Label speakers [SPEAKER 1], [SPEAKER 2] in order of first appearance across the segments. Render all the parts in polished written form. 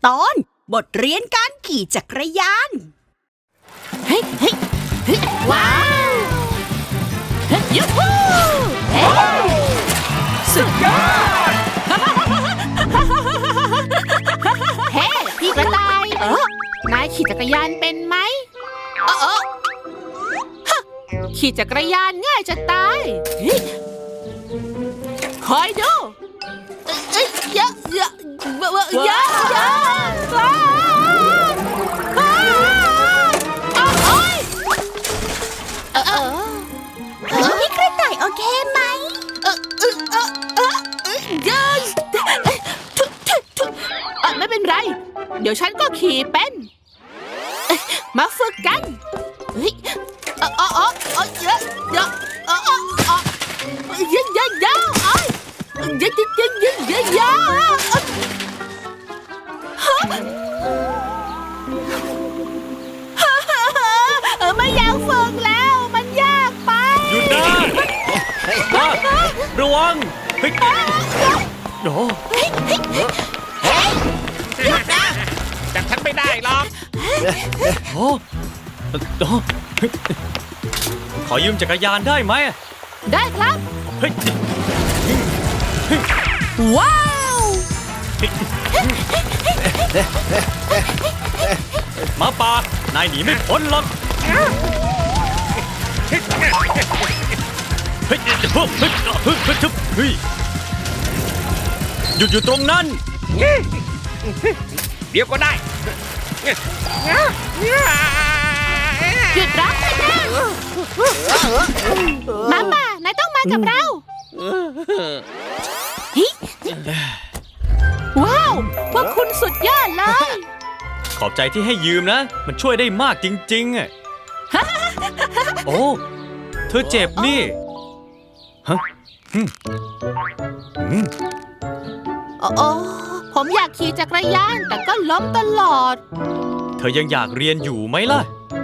[SPEAKER 1] ตอนบทเรียนการขี่จักรยาน
[SPEAKER 2] เฮ้ยเฮ้ยเฮ้ยว้าวเฮ้ยยูฮูเฮ้ยสุดยอดเฮ้พี่กระต่ายนายขี่จักรยานเป็นไหมขี่จักรยานง่ายจะตายคอยดูเยอะเยอะเยอะเยอะ
[SPEAKER 1] พี่กระต่ายโอเคไหม
[SPEAKER 2] ไม่เป็นไรเดี๋ยวฉันก็ขี่เป็นมาฝึกกันเฮ้ยเยอะเยอะเยอะเยอะเยอะเยอะเยอะเยอะเยอะเยอะเยอะไม่อยากฝึกแล้วมันยากไป
[SPEAKER 3] หยุดนะระวังเฮ้ยโอ้
[SPEAKER 2] หยุดนะ
[SPEAKER 3] จับฉันไม่ได้หรอกโอ้ขอยืมจักรยานได้ไหม
[SPEAKER 2] ได้ครับ
[SPEAKER 3] เฮ้ย
[SPEAKER 2] ว้าว
[SPEAKER 3] หมาป่านายหนีไม่พ้นหรอกเฮ้ยหยุดอยู่ตรงนั้นเดี๋ยวก็ได้
[SPEAKER 2] หยุดรักเลยนะมาป่านายต้องมากับเราว้าวพวกคุณสุดยอดเลย
[SPEAKER 3] ขอบใจที่ให้ยืมนะมันช่วยได้มากจริงๆโอ้เธอเจ็บนี่ฮะ
[SPEAKER 2] ผมอยากขี่จักรยานแต่ก็ล้มตลอด
[SPEAKER 3] เธอยังอยากเรียนอยู่ไหมล่ะ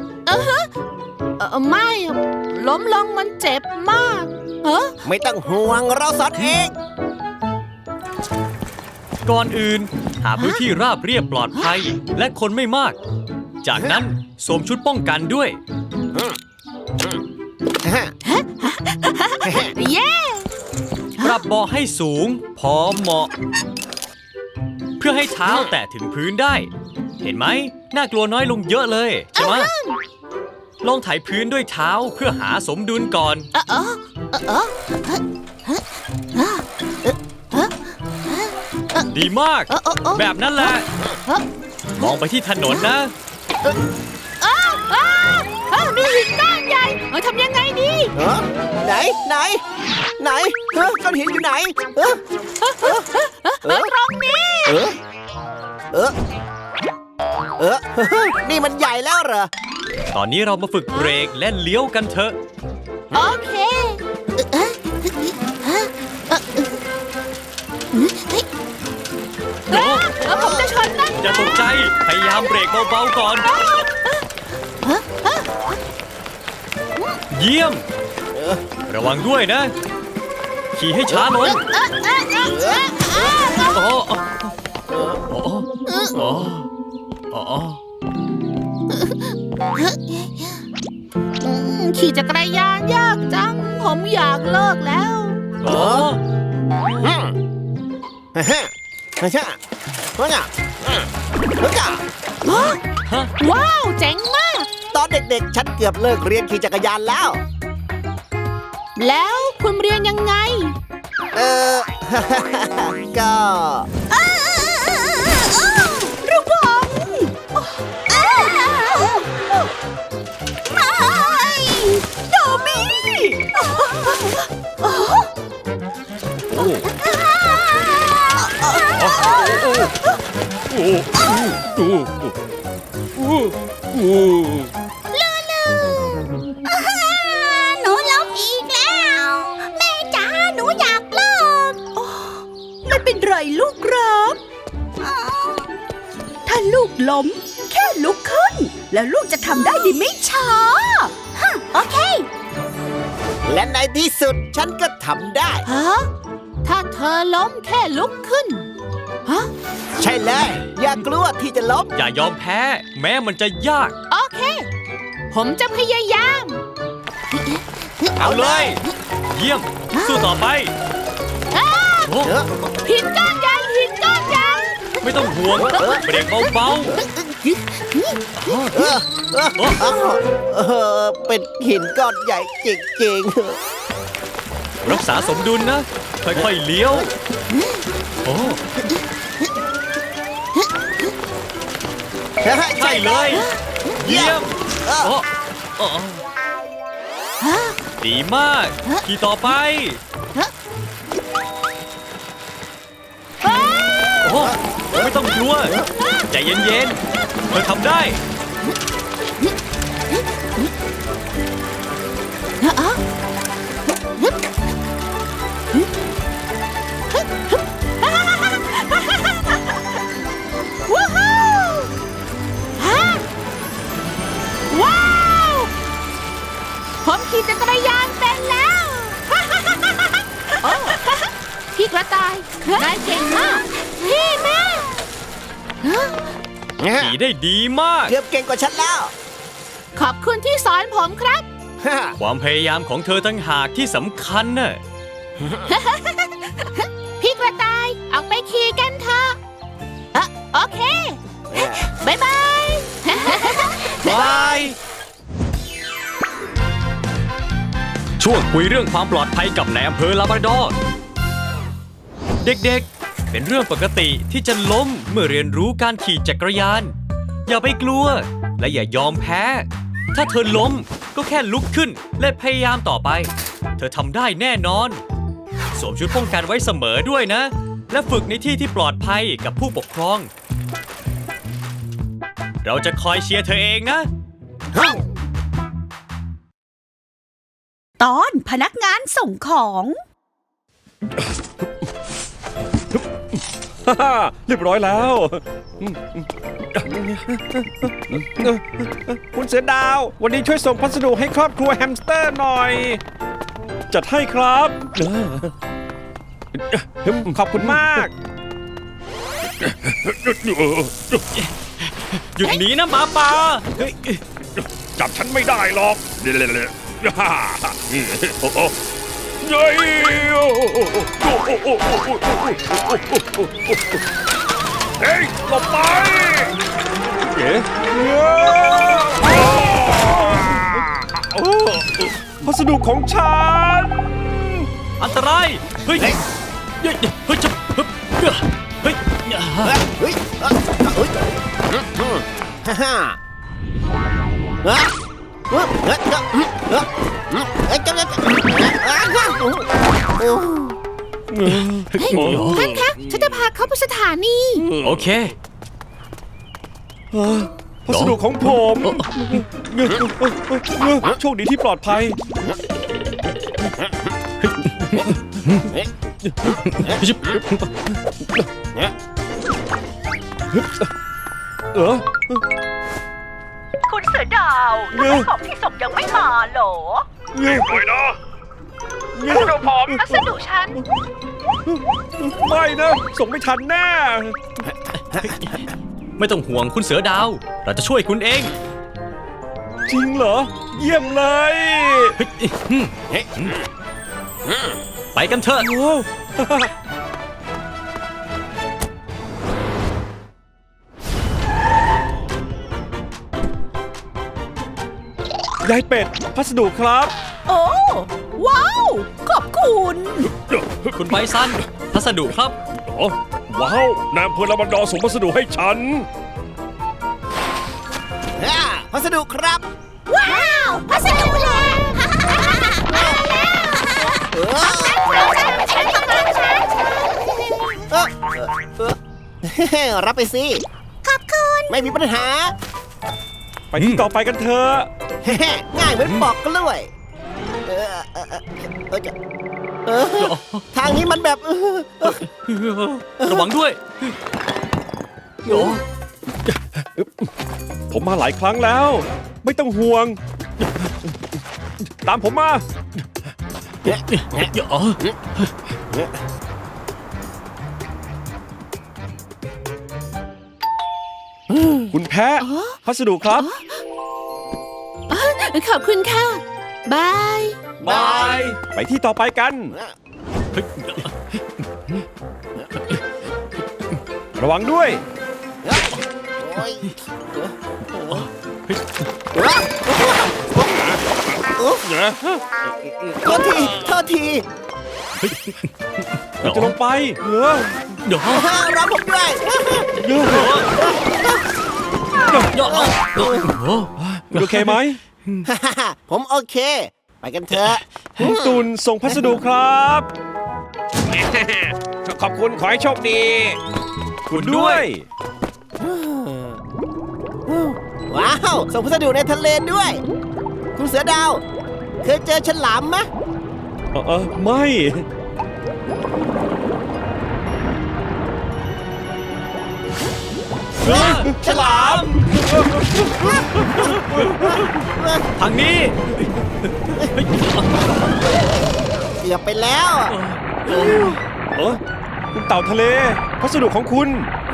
[SPEAKER 2] ไม่ล้มลงมันเจ็บมาก
[SPEAKER 4] ไม่ต้องห่วงเราสอนเอง
[SPEAKER 3] ก่อนอื่นหาพื้นที่ราบเรียบปลอดภัยและคนไม่มากจากนั้นสวมชุดป้องกันด้วย
[SPEAKER 2] เย้
[SPEAKER 3] ปรับเบาะให้สูงพอเหมาะเพื่อให้เท้าแตะถึงพื้นได้เห็นไหมน่ากลัวน้อยลงเยอะเลยใช่ไหมลองไถพื้นด้วยเท้าเพื่อหาสมดุลก่อนดีมากแบบนั้นแหละมองไปที่ถนนนะ
[SPEAKER 2] มีหินก้อนใหญ่ทำยังไงดี
[SPEAKER 4] ไหนก้อนหินอยู่ไหน
[SPEAKER 2] ตรงนี้
[SPEAKER 4] นี่มันใหญ่แล้วเหรอ
[SPEAKER 3] ตอนนี้เรามาฝึกเบรกและเลี้ยวกันเถอะ
[SPEAKER 2] โอเคผมจะชนนั่น
[SPEAKER 3] อย่าตกใจพยายามเบรกเบาๆก่อนเยี่ยมระวังด้วยนะขี่ให้ช้าลง
[SPEAKER 2] ขี่จักรยานยากจังผมอยากเลิกแล้วว้าวเจ๋งมาก
[SPEAKER 4] ตอนเด็กๆฉันเกือบเลิกเรียนขี่จักรยาน
[SPEAKER 2] แล้วคุณเรียนยังไง
[SPEAKER 4] ก็
[SPEAKER 1] ระวังไม่โดมี่หนูล้มอีกแล้วแม่จ๋าหนูอยากเลิกไม่เป็นไรลูกครับถ้าลูกล้มแค่ลุกขึ้นแล้วลูกจะทำได้ดีไม่ช้าโอเค
[SPEAKER 4] และในที่สุดฉันก็ทำได้
[SPEAKER 2] ถ้าเธอล้มแค่ลุกขึ้น
[SPEAKER 4] ใช่เลย อย่ากลัวที่จะล้ม
[SPEAKER 3] อย่ายอมแพ้ แม้มันจะยาก
[SPEAKER 2] โอเค ผมจะพยายาม
[SPEAKER 3] เอาเลย เยี่ยม สู้ต่อไปโอ้
[SPEAKER 4] เออ
[SPEAKER 2] หินก้อนใหญ่หินก้อนใหญ่
[SPEAKER 3] ไม่ต้องห่วง เบรกเบา
[SPEAKER 4] เออเป็นหินก้อนใหญ่จริง
[SPEAKER 3] ๆ รักษาสมดุลนะ ค่อยๆเลี้ยว โอ้
[SPEAKER 4] ๆ
[SPEAKER 3] ใช่เลย เยี่ยม
[SPEAKER 4] เออ
[SPEAKER 3] โอ้โอ้ดีมากขี่ต่อไป โอ้ไม่ต้องกลัว ใจเย็นๆ เธอทำได้
[SPEAKER 2] วู้ฮู้ฮะว้าว ผมขี่จักรยานเป็นแล้วโอ้พี่กระต่ายนายเก่งมาก พี่แม่
[SPEAKER 3] ขี่ได้ดีมาก
[SPEAKER 4] เกือบเก่งกว่าฉันแล้ว
[SPEAKER 2] ขอบคุณที่สอนผมครับ
[SPEAKER 3] ความพยายามของเธอตั้งหากที่สำคัญน่ะ
[SPEAKER 2] พี่กระต่ายออกไปขี่กันเถอะโอเคบายบาย
[SPEAKER 3] บาย ช่วงคุยเรื่องความปลอดภัยกับนายอำเภอลาบราดอร์ เด็กๆ เป็นเรื่องปกติที่จะล้มเมื่อเรียนรู้การขี่จักรยาน อย่าไปกลัว และอย่ายอมแพ้ ถ้าเธอล้มก็แค่ลุกขึ้นและพยายามต่อไป เธอทำได้แน่นอน สวมชุดป้องกันไว้เสมอด้วยนะ และฝึกในที่ที่ปลอดภัยกับผู้ปกครอง เราจะคอยเชียร์เธอเองนะ
[SPEAKER 1] ตอนพนักงานส่งของ
[SPEAKER 5] ฮ่าเรียบร้อยแล้ว คุณเสือดาว วันนี้ช่วยส่งพัสดุให้ครอบครัวแฮมสเตอร์หน่อย จัดให้ครับขอบคุณมาก
[SPEAKER 3] หยุดหนีนะหมาป่า
[SPEAKER 5] จับฉันไม่ได้หรอกเย้เฮ้ยหลบไปเอ๊ะพัสดุของฉัน
[SPEAKER 3] อันตราย เฮ้ย เฮ้ย เฮ้ยจะเฮ้ย
[SPEAKER 4] เฮ้ยเฮ้ยฮ่า
[SPEAKER 2] ท่านคะฉันจะพาเขาไปสถานี
[SPEAKER 3] โอเค
[SPEAKER 5] พัสดุของผมโชคดีที่ปลอดภัยเออ
[SPEAKER 1] คุณเสือดาวทำไมของที่ส่งยังไม่มาเหรอ
[SPEAKER 5] ไม่นะ
[SPEAKER 1] พัสดุผมพัสดุฉัน
[SPEAKER 5] ไม่นะ ส่งไม่ทันแน่
[SPEAKER 3] ไม่ต้องห่วงคุณเสือดาว เราจะช่วยคุณเอง
[SPEAKER 5] จริงเหรอ เยี่ยมเลย
[SPEAKER 3] ไปกันเถอะ
[SPEAKER 5] โอ้ ยายเป็ด พัสดุครับ
[SPEAKER 1] โอ้ ว้าว ขอบคุณ
[SPEAKER 3] คุณไบซัน พัสดุครับ
[SPEAKER 5] อ๋อว้าวนายอำเภอลาบราดอร์ส่งพัสดุให้ฉัน
[SPEAKER 4] พัสดุครับ
[SPEAKER 1] ว้าว พัสดุเลย
[SPEAKER 4] รับไปสิ
[SPEAKER 1] ขอบคุณ
[SPEAKER 4] ไม่มีปัญหา
[SPEAKER 5] ไปที่ต่อไปกันเถอะ
[SPEAKER 4] ง่ายเหมือนปอกกล้วยทางนี้มันแบบ
[SPEAKER 3] ระวังด้วย โอ้
[SPEAKER 5] ผมมาหลายครั้งแล้ว ไม่ต้องห่วง ตามผมมา
[SPEAKER 3] อ๋อ
[SPEAKER 5] คุณแพ้พัสดุครับ
[SPEAKER 2] ขอบคุณค่ะ บาย
[SPEAKER 5] บาย ไปที่ต่อไปกัน ระวังด้วย
[SPEAKER 4] โอ้ยโทษทีโทษที
[SPEAKER 5] เราจะลงไป
[SPEAKER 3] เดี๋ยว
[SPEAKER 4] รับผมด้วย
[SPEAKER 5] คุณโอเคไหม
[SPEAKER 4] ผมโอเค ไปกันเถอะ
[SPEAKER 5] คุณตุนส่งพัสดุครับ ขอบคุณขอให้โชคดี คุณด้วย
[SPEAKER 4] ว้าว ส่งพัสดุในทะเลด้วย คุณเสือดาว เคยเจอฉลามไหม
[SPEAKER 5] ไม่
[SPEAKER 3] ฉลามทางนี้
[SPEAKER 4] เกือบไปแล้ว
[SPEAKER 5] คุณเต่าทะเล พัสดุของคุณ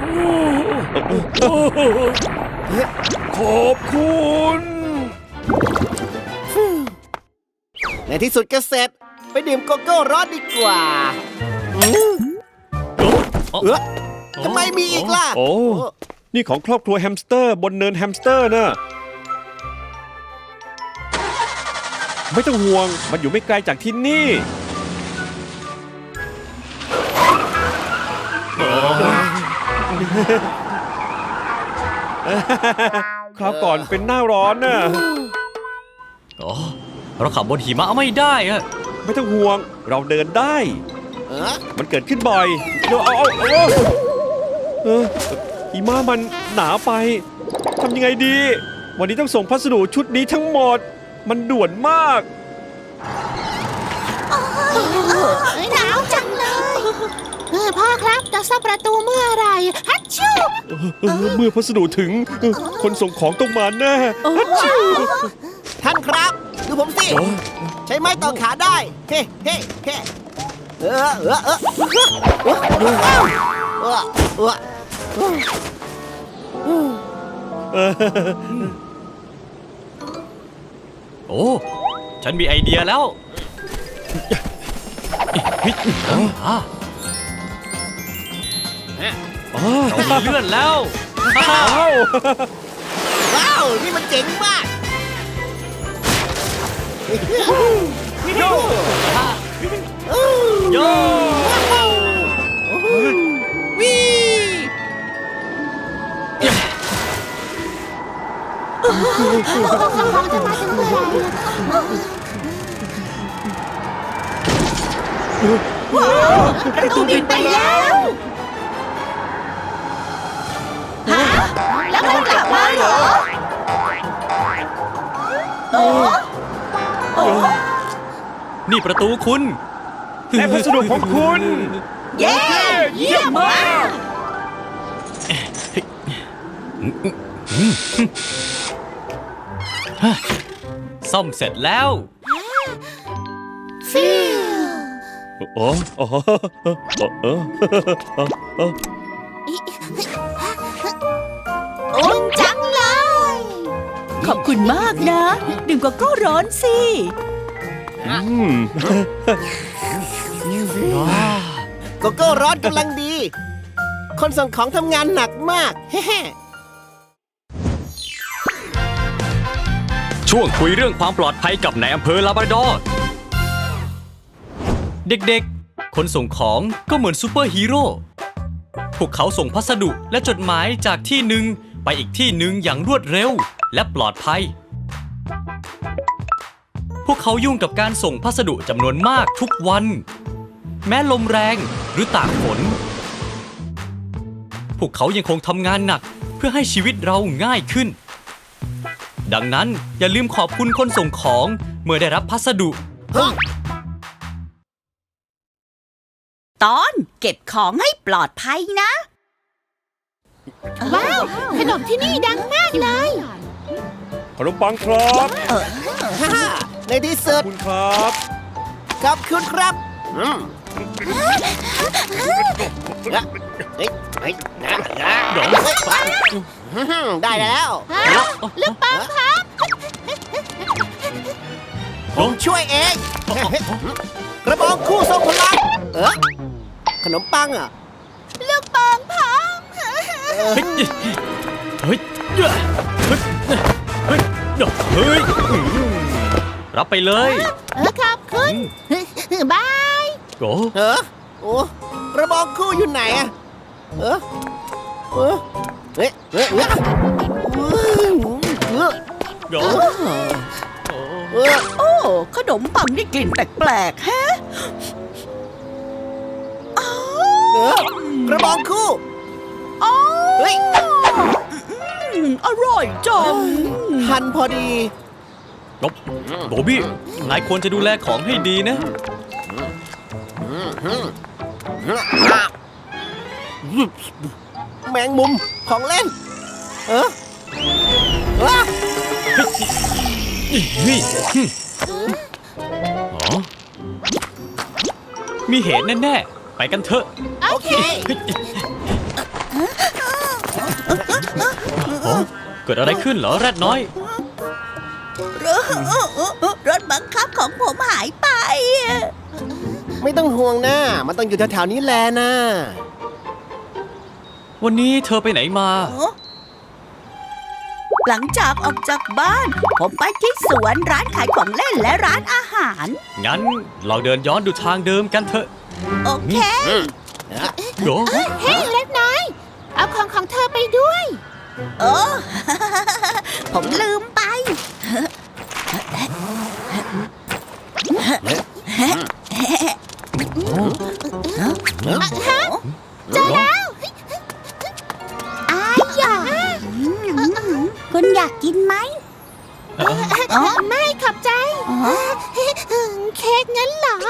[SPEAKER 5] ขอบคุณ
[SPEAKER 4] ในที่สุดก็เสร็จ ไปดื่มโกโก้ร้อนดีกว่าทำไมมีอีกล่ะ
[SPEAKER 5] โอ้ นี่ของครอบครัวแฮมสเตอร์บนเนินแฮมสเตอร์น่ะ ไม่ต้องห่วง มันอยู่ไม่ไกลจากที่นี่ คราวก่อนเป็นหน้าร้อนน่ะ
[SPEAKER 3] อ๋อ เราขับบนหิมะไม่ได้อะ
[SPEAKER 5] ไม่ต้องห่วง เราเดินได้
[SPEAKER 4] เออ
[SPEAKER 5] มันเกิดขึ้นบ่อยหิมะมันหนาไป ทำยังไงดี วันนี้ต้องส่งพัสดุชุดนี้ทั้งหมด มันด่วนมาก
[SPEAKER 1] หนาวจังเลย
[SPEAKER 2] พ่อครับจะซ่อมประตูเมื่อไหรฮัชชู
[SPEAKER 5] เมื่อพัสดุถึง คนส่งของต้องมาแน่
[SPEAKER 4] ท่านครับ ดูผมสิ ใช้ไม้ต่อขาได้ เฮ้เฮ้เฮ้
[SPEAKER 3] โอ้ ฉันมีไอเดียแล้วเรามีเลื่อนแล้ว
[SPEAKER 4] ว้าว นี่มันเจ๋งมาก
[SPEAKER 3] โย่
[SPEAKER 1] ประตูบินไปแล้วฮะแล้วมันกลับมาเหรอ
[SPEAKER 3] นี่ประตูคุณ
[SPEAKER 5] และพัสดุของคุณ
[SPEAKER 1] เย้ เยี่ยมมาก
[SPEAKER 3] ซ่อมเสร็จแล้ว
[SPEAKER 1] ฟิวอุ่นจังเลย ขอบคุณมากนะ ดื่มโกโก้ร้อนสิ
[SPEAKER 4] โกโก้ร้อนกำลังดี คนส่งของทำงานหนักมาก เฮ้
[SPEAKER 3] ช่วงคุยเรื่องความปลอดภัยกับนายอำเภอลาบราดอร์ เด็กๆ คนส่งของก็เหมือนซูเปอร์ฮีโร่ พวกเขาส่งพัสดุและจดหมายจากที่หนึ่งไปอีกที่หนึ่งอย่างรวดเร็วและปลอดภัย พวกเขายุ่งกับการส่งพัสดุจำนวนมากทุกวัน แม้ลมแรงหรือตากฝน พวกเขายังคงทำงานหนักเพื่อให้ชีวิตเราง่ายขึ้น ดังนั้นอย่าลืมขอบคุณคนส่งของเมื่อได้รับพัสดุ
[SPEAKER 1] ตอนเก็บของให้ปลอดภัยนะ
[SPEAKER 2] ว้าว ขนมที่นี่ดังมากเลย
[SPEAKER 5] ขนมปังครับ
[SPEAKER 4] ฮ่าในที่สุด
[SPEAKER 5] คุณครับ
[SPEAKER 4] ขอบคุณครับเฮ้ยเฮ้ยได้แล้ว
[SPEAKER 2] ลูกปังครับ
[SPEAKER 4] ผมช่วยเอง กระบองคู่ทรงพลังขนมปังอ่ะ
[SPEAKER 1] ลูกปังพัง
[SPEAKER 3] เฮ้ยเฮ้ยเฮ้ยเฮ้ยเฮ้ยรับไปเลย
[SPEAKER 2] ขอบคุณบาย
[SPEAKER 3] โอ้
[SPEAKER 4] โอ้กระบองคู่อยู่ไหนอ่ะเฮ้ย
[SPEAKER 3] โอ้
[SPEAKER 1] โอ้ขนมปังนี่กลิ่นแปลกๆฮะ
[SPEAKER 4] กระบองคู่
[SPEAKER 1] อ๋อ
[SPEAKER 4] เฮ้ย
[SPEAKER 1] อร่อยจัง
[SPEAKER 4] ทันพอดี
[SPEAKER 3] โบบี้นายควรจะดูแลของให้ดีนะ
[SPEAKER 4] แมงมุมของเล่นว้า
[SPEAKER 3] นี่อ๋อมีเหตุแน่ๆ ไปกันเถอะ
[SPEAKER 4] โอเค
[SPEAKER 3] เกิดอะไรขึ้นเหรอแรดน้อย
[SPEAKER 1] รถบังคับของผมหายไป
[SPEAKER 4] ไม่ต้องห่วงนะมันต้องอยู่แถวๆนี้แหละนะ
[SPEAKER 3] วันนี้เธอไปไหนมา
[SPEAKER 1] หลังจากออกจากบ้าน ผมไปที่สวนร้านขายของเล่นและร้านอาหาร
[SPEAKER 3] งั้นเราเดินย้อนดูทางเดิมกันเถอะ
[SPEAKER 1] โอเค
[SPEAKER 3] โย
[SPEAKER 2] เฮ้ยเล็กน้อย เอาของเธอไปด้วย
[SPEAKER 1] โอ้ ผมลืมไป
[SPEAKER 3] เจอแล้ว
[SPEAKER 1] อายอยากคุณอยากกินไหม
[SPEAKER 2] ไม่ขอบใจ เค้กงั้นเหรอ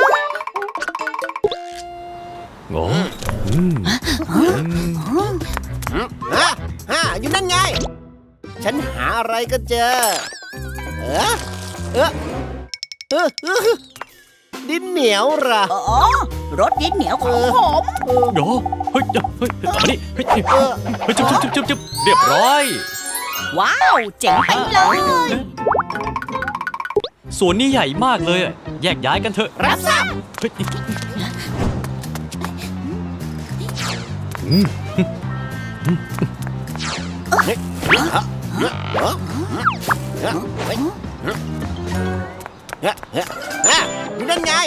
[SPEAKER 3] โง่
[SPEAKER 4] อยู่นั่นไง ฉันหาอะไรก็เจอดินเหนียวเหรอ
[SPEAKER 1] อ๋อ รถดินเหนียวของผม
[SPEAKER 3] โยเฮ้ยเฮ้ยต่อมานี่เฮ้ยจุ๊บเรียบร้อย
[SPEAKER 1] ว้าว เจ๋งไปเลย
[SPEAKER 3] สวนนี้ใหญ่มากเลยอะแยกย้ายกันเถอะ
[SPEAKER 4] รับทราบ
[SPEAKER 3] เฮ้ย
[SPEAKER 4] อยู่นั่นไง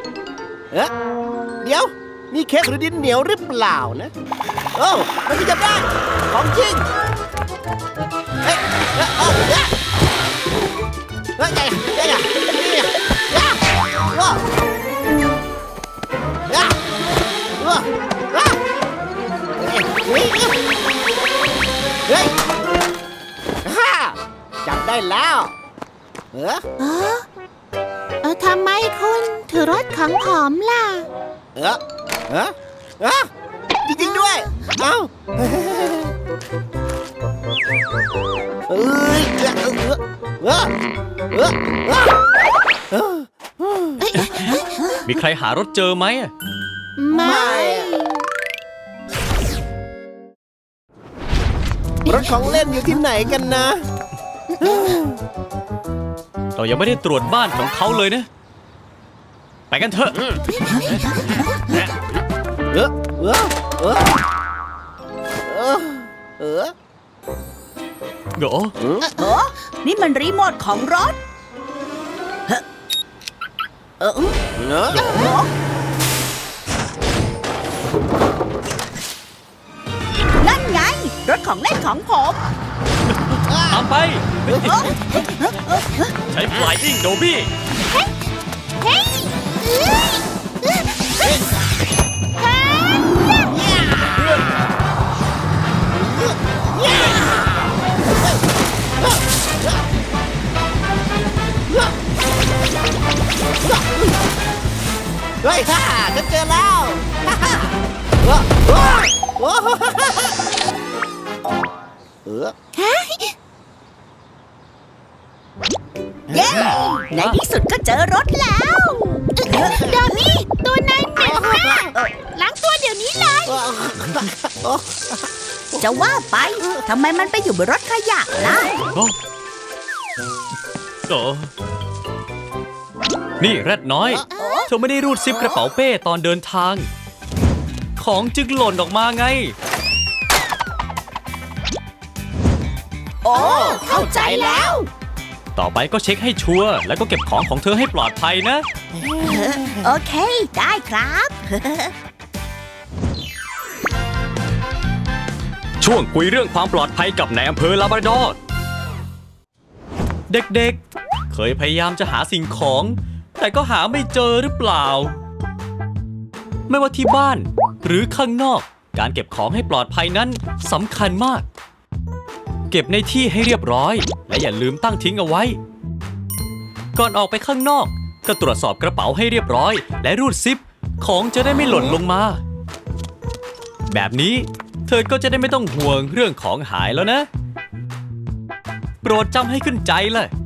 [SPEAKER 4] เดี๋ยวนี่เค้กหรือดินเหนียวหรือเปล่านะโอ้มันจะได้ของจริงจับได้แล้ว
[SPEAKER 2] ทำไมคุณถือรถของผมล่ะ
[SPEAKER 4] จริงๆด้วยเอ้า
[SPEAKER 3] มีใครหารถเจอไหมอะ
[SPEAKER 2] ไม่
[SPEAKER 4] รถของเล่นอยู่ที่ไหนกันนะ
[SPEAKER 3] เรายังไม่ได้ตรวจบ้านของเขาเลยนะ ไปกันเถอะ โย
[SPEAKER 1] นี่มันรีโมทของรถ นั่นไง รถของเล่นของผม
[SPEAKER 3] ตามไป ใช้ Flying Dobby
[SPEAKER 2] เฮ้ย
[SPEAKER 4] เฮ้ยฮ่าฉันเจอแล้ว
[SPEAKER 1] เย้ ในที่สุดก็เจอรถแล้ว
[SPEAKER 2] ดอมี่ ตัวนายเหม็นมากล้างตัวเดี๋ยวนี้เลย
[SPEAKER 1] จะว่าไปทำไมมันไปอยู่บนรถขยะล่ะ
[SPEAKER 3] โอ้โอ้นี่แรดน้อย เธอไม่ได้รูดซิปกระเป๋าเป้ตอนเดินทาง ของจึงหล่นออกมาไง
[SPEAKER 1] โอ้ เข้าใจแล้ว
[SPEAKER 3] ต่อไปก็เช็คให้ชัวร์แล้วก็เก็บของของเธอให้ปลอดภัยนะ
[SPEAKER 1] โอเค ได้ครับ
[SPEAKER 3] ช่วงคุยเรื่องความปลอดภัยกับนายอำเภอลาบราดอร์ เด็กๆ เคยพยายามจะหาสิ่งของ แต่ก็หาไม่เจอหรือเปล่า ไม่ว่าที่บ้านหรือข้างนอก การเก็บของให้ปลอดภัยนั้นสำคัญมาก เก็บในที่ให้เรียบร้อย และอย่าลืมตั้งทิ้งเอาไว้ ก่อนออกไปข้างนอก ก็ตรวจสอบกระเป๋าให้เรียบร้อย และรูดซิปของจะได้ไม่หล่นลงมา แบบนี้เธอก็จะได้ไม่ต้องห่วงเรื่องของหายแล้วนะ โปรดจำให้ขึ้นใจเลย